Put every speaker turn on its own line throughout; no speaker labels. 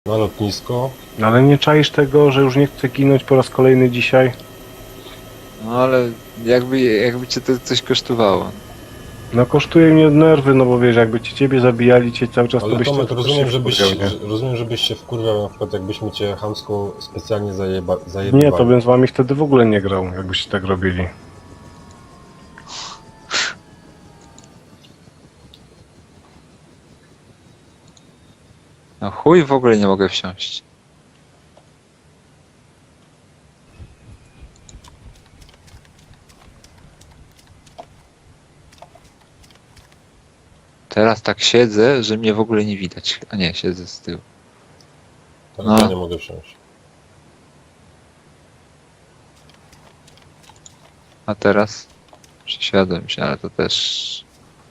na lotnisko.
Ale nie czaisz tego, że już nie chcę ginąć po raz kolejny dzisiaj?
No ale jakby cię to coś kosztowało.
No kosztuje mnie nerwy, no bo wiesz, jakby ciebie zabijali cały czas, to
Ale
byś
Tomek,
też
rozumiem,
się
żebyś,
wkurwiał, nie?
rozumiem, żebyś się wkurwiał, na przykład jakbyśmy cię chamsko specjalnie
Nie,
zajebywali.
to bym z wami wtedy w ogóle nie grał, jakbyście tak robili.
No chuj, w ogóle nie mogę wsiąść. Teraz tak siedzę, że mnie w ogóle nie widać. A nie, siedzę z tyłu.
Teraz
No.
ja nie mogę wsiąść.
A teraz przesiadłem się, ale to też...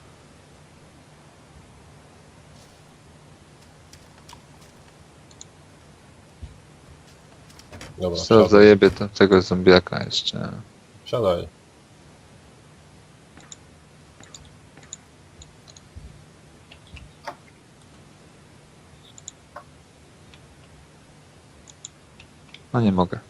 Dobra,
Co
wsiadaj.
zajebie tego zombiaka jeszcze.
Siadaj.
No nie mogę.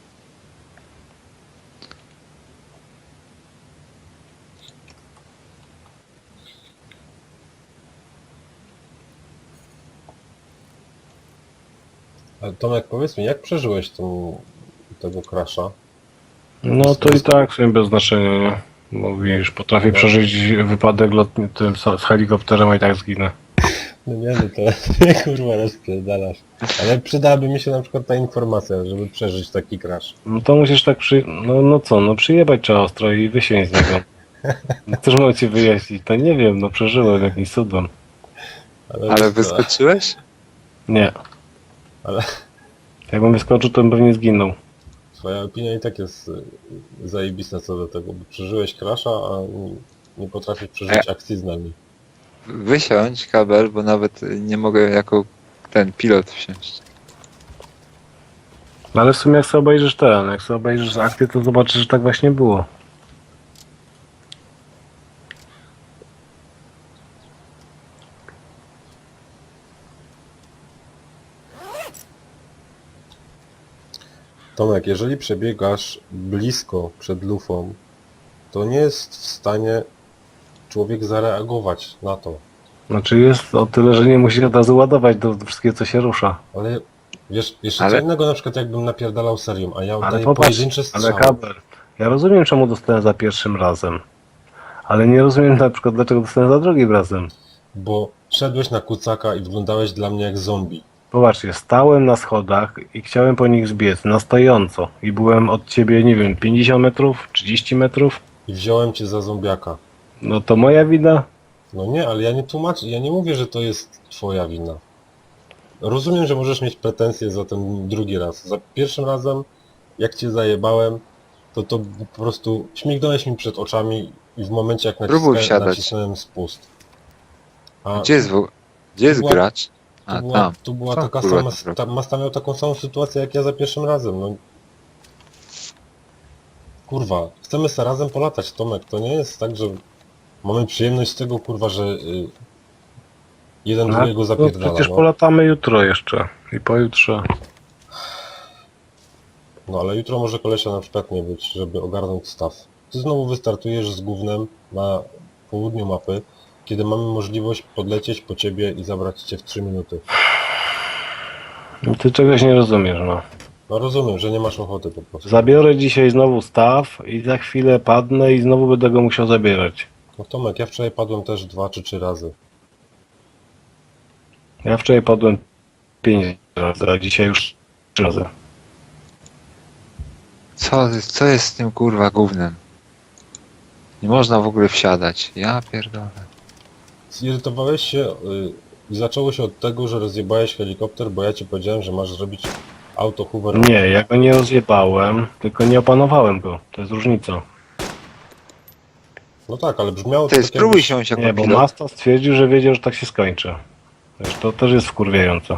Ale Tomek, powiedz mi, jak przeżyłeś tego crasha?
No to i tak w sumie bez znaczenia, nie? Bo widzisz, potrafię przeżyć wypadek lotni tym z helikopterem, a i tak zginę.
No nie, no to kurwa rozpierdalasz. Ale przydałaby mi się na przykład ta informacja, żeby przeżyć taki crash.
No to musisz tak no przyjebać trzeba ostro i wysiąść z niego. No cóż mam ci wyjaśnić? To nie wiem, no przeżyłem jakimś cudem.
Ale wyskoczyłeś?
Nie.
Ale
Jakbym wyskoczył, to bym pewnie zginął.
twoja opinia i tak jest zajebista co do tego, bo przeżyłeś crasha, a nie potrafisz przeżyć akcji z nami.
Wysiądź kabel, bo nawet nie mogę jako ten pilot wsiąść.
No ale w sumie jak sobie obejrzysz akty, to zobaczysz, że tak właśnie było.
Tomek, jeżeli przebiegasz blisko przed lufą, to nie jest w stanie człowiek zareagować na to.
Znaczy jest o tyle, że nie musisz od razu ładować do wszystkiego, co się rusza.
Ale wiesz, jeszcze
Ale-
co innego na przykład jakbym napierdalał serią, a ja
Ale
oddaję
popatrz,
pojedyncze
ale
strzały.
kabel. Ja rozumiem, czemu dostałem za pierwszym razem. Ale nie rozumiem na przykład, dlaczego dostałem za drugim razem.
Bo szedłeś na kucaka i wyglądałeś dla mnie jak zombie.
Popatrzcie, stałem na schodach i chciałem po nich zbiec na stojąco. I byłem od ciebie, nie wiem, 50 metrów, 30 metrów.
I wziąłem cię za zombiaka.
No to moja wina.
No nie, ale ja nie tłumaczę, ja nie mówię, że to jest twoja wina. Rozumiem, że możesz mieć pretensje za ten drugi raz. Za pierwszym razem, jak cię zajebałem, to po prostu śmignąłeś mi przed oczami i w momencie jak
Próbuj wsiadać.
nacisnąłem spust. A
Gdzie jest
była-
gracz? A tam.
tu była
Co,
taka
kurwa,
sama,
to
Masta miał taką samą sytuację jak ja za pierwszym razem. No. Kurwa, chcemy se razem polatać, Tomek. To nie jest tak, że mamy przyjemność z tego, kurwa, że jeden drugiego
No
zapierdala.
przecież
No.
polatamy jutro jeszcze. I pojutrze.
No ale jutro może kolesia na przykład nie być, żeby ogarnąć staw. Ty znowu wystartujesz z gównem na południu mapy, kiedy mamy możliwość podlecieć po ciebie i zabrać cię w 3 minuty.
No ty czegoś nie rozumiesz, no.
No rozumiem, że nie masz ochoty po prostu.
Zabiorę dzisiaj znowu staw i za chwilę padnę i znowu będę go musiał zabierać.
No Tomek, ja wczoraj padłem też 2 czy 3 razy.
Ja wczoraj padłem 5 razy, a dzisiaj już 3 razy.
Co jest z tym kurwa gównem? Nie można w ogóle wsiadać. Ja pierdolę.
Zirytowałeś się i zaczęło się od tego, że rozjebałeś helikopter, bo ja ci powiedziałem, że masz zrobić auto hover.
Nie, ja go nie rozjebałem, tylko nie opanowałem go. To jest różnica.
No tak, ale brzmiało to
Ty
tak
spróbuj
jakbyś...
siąść jako
Nie, bo
pilot.
Masta stwierdził, że wiedział, że tak się skończy. Wiesz, to też jest wkurwiające.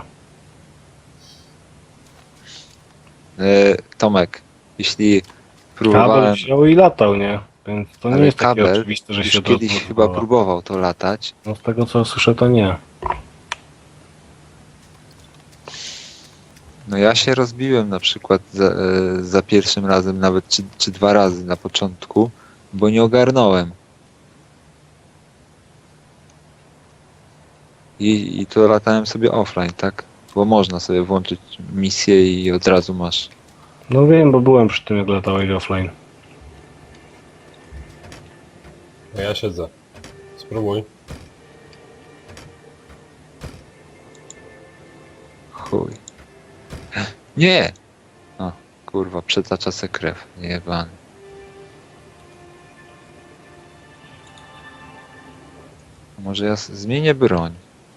Tomek, jeśli
Kabel
próbowałem...
wziął i latał, nie? Więc to nie
Ale
jest takie
kabel
oczywiste, że
już
się od
kiedyś
razu
chyba
odwoła.
próbował to latać.
No z tego co słyszę, to nie.
No ja się rozbiłem na przykład za pierwszym razem, nawet czy 2 razy na początku, bo nie ogarnąłem. I to latałem sobie offline, tak? Bo można sobie włączyć misję i od razu masz.
No wiem, bo byłem przy tym, jak latałeś offline.
No ja siedzę. Spróbuj.
Chuj. Nie! O, kurwa, przetacza se krew. Jebany. Może ja zmienię broń.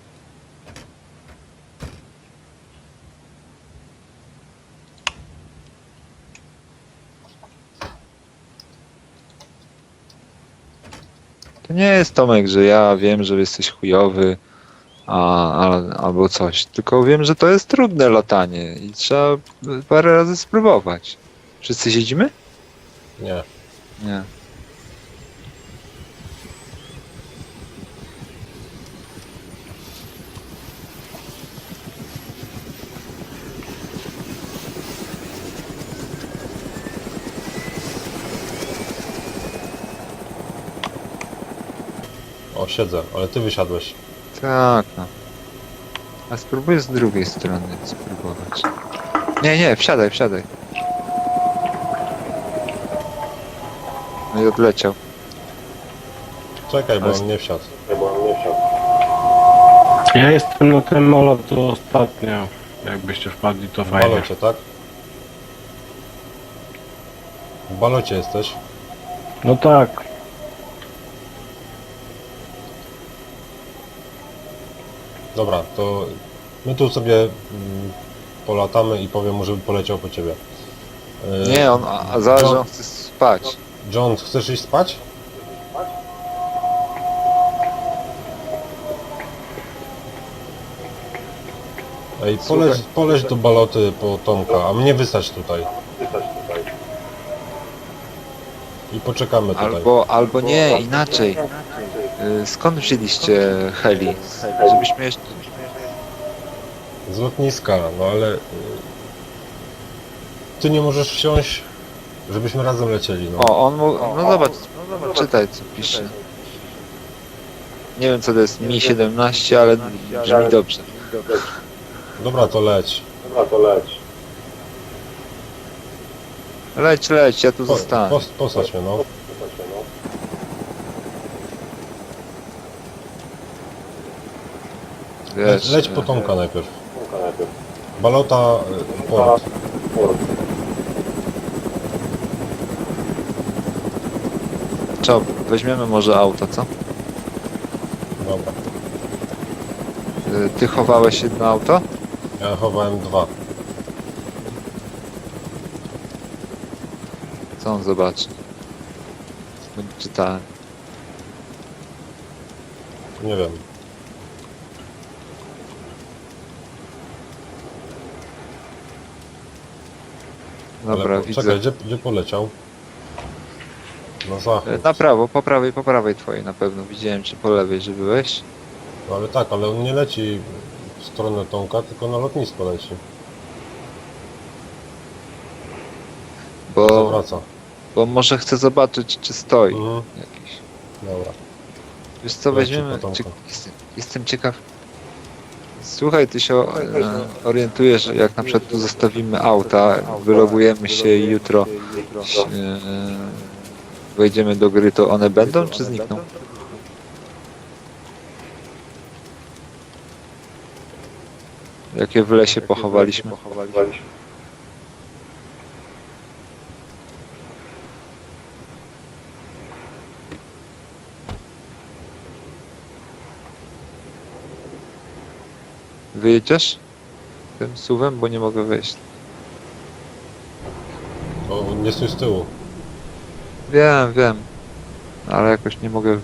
To nie jest, Tomek, że ja wiem, że jesteś chujowy, albo coś. Tylko wiem, że to jest trudne latanie i trzeba parę razy spróbować. Wszyscy siedzimy?
Nie.
Nie.
O, siedzę, ale ty wysiadłeś.
Tak, no. A spróbuję z drugiej strony spróbować. Nie, wsiadaj, wsiadaj. No i odleciał.
Czekaj, bo
Ale-
on nie wsiadł.
Ja jestem na tym molotu ostatnio. Jakbyście wpadli, to
W
fajnie.
balocie, tak? W balocie jesteś.
No tak.
Dobra, to my tu sobie polatamy i powiem mu, żeby poleciał po ciebie.
Nie, a zaraz, że on chce spać.
John, chcesz iść spać? Ej, poleć do baloty po Tomka, a mnie wysać tutaj. I poczekamy tutaj.
Albo nie, inaczej. Skąd wzięliście heli? Żebyśmy jeszcze...
Z lotniska, no ale... Ty nie możesz wsiąść, żebyśmy razem lecieli, no.
O, on mu... No zobacz, czytaj co pisze. Nie wiem co to jest Mi-17, ale brzmi dobrze.
Dobra, to leć.
Leć, ja tu zostanę.
Posadź mnie, no.
Wiesz,
Leć po Tomka najpierw. Balota, port.
Co, weźmiemy może auto, co?
Dobra.
Ty chowałeś jedno auto?
Ja chowałem 2.
Co on zobaczy? Czytałem.
Nie wiem.
Dobra,
Ale
widzę.
czekaj, gdzie poleciał? Na zachód.
Na prawo, po prawej twojej na pewno. Widziałem czy po lewej, że byłeś.
No ale tak, ale on nie leci w stronę Tomka, tylko na lotnisko leci.
Bo,
Zawraca.
bo może chcę zobaczyć czy stoi
Mhm.
jakiś.
Dobra.
Wiesz co,
Leci
weźmiemy...
po Tomka.
Jestem ciekaw. Słuchaj, ty się orientujesz, jak na przykład tu zostawimy auta, wylogujemy się i jutro wejdziemy do gry, to one będą czy znikną? Jakie w lesie pochowaliśmy? Wyjedziesz tym suwem, bo nie mogę wejść.
O, nie stój z tyłu.
Wiem, ale jakoś nie mogę.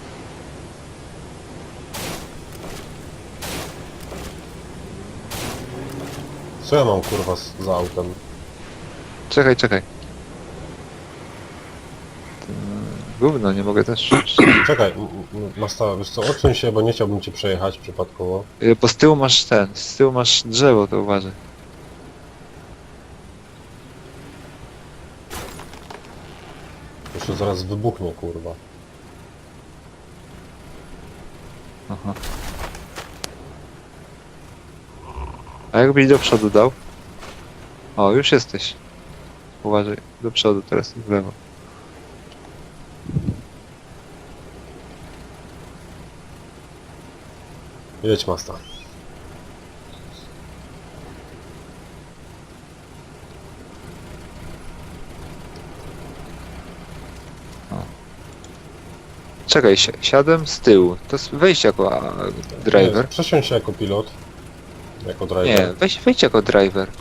Co ja mam kurwa za autem?
Czekaj. Gówno, nie mogę też.
Czekaj, Masta, wiesz co, odsuń się, bo nie chciałbym cię przejechać przypadkowo.
Bo z tyłu masz z tyłu masz drzewo, to uważaj.
To się zaraz wybuchnie, kurwa.
Aha. A jakbyś do przodu dał? O, już jesteś. Uważaj, do przodu teraz, w lewo.
Jedź, Masta.
Czekaj, siadłem z tyłu. To wejdź jako driver.
Nie, przesiądź się jako pilot. Jako driver.
Nie, wejdź jako driver.